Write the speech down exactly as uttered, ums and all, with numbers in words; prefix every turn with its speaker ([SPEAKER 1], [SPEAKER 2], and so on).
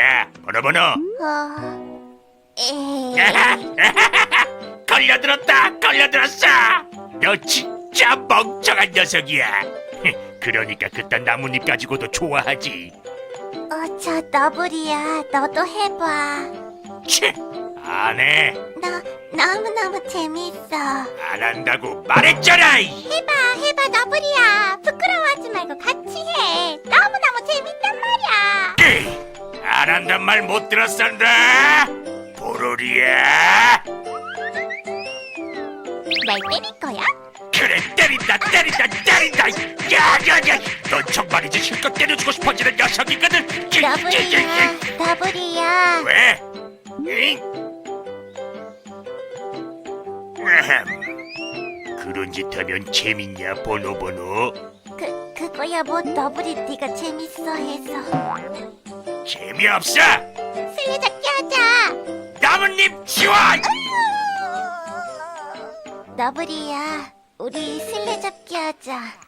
[SPEAKER 1] 자, 번호번호.
[SPEAKER 2] 어... 에이...
[SPEAKER 1] 걸려들었다, 걸려들었어. 너 진짜 멍청한 녀석이야. 그러니까 그딴 나뭇잎 가지고도 좋아하지.
[SPEAKER 2] 어, 저 너브리야, 너도 해봐.
[SPEAKER 1] 치, 안 해.
[SPEAKER 2] 너 너무너무 재밌어.
[SPEAKER 1] 안 한다고 말했잖아. 이.
[SPEAKER 2] 해봐, 해봐, 너브리야. 부끄러워하지 말고 같이 해. 너무너무 재밌단 말이야.
[SPEAKER 1] 에이, 안 한단 말 못 들었었나? 보로리야.
[SPEAKER 2] 날 때릴 거야?
[SPEAKER 1] 그래, 때린다, 때린다, 때린다. 야야야, 넌 정말이지 실컷 때려주고 싶어지는 녀석이거든. 찌, 찌, 찌,
[SPEAKER 2] 너브리야,
[SPEAKER 1] 찌.
[SPEAKER 2] 너브리야.
[SPEAKER 1] 왜? 응? 아흠. 그런 짓 하면 재밌냐, 번호번호?
[SPEAKER 2] 그, 그거야 뭐 너브리 네가 재밌어 해서.
[SPEAKER 1] 재미없어!
[SPEAKER 2] 술래잡기 하자.
[SPEAKER 1] 나뭇잎 지원!
[SPEAKER 2] 너브리야, 우리 술래잡기 하자.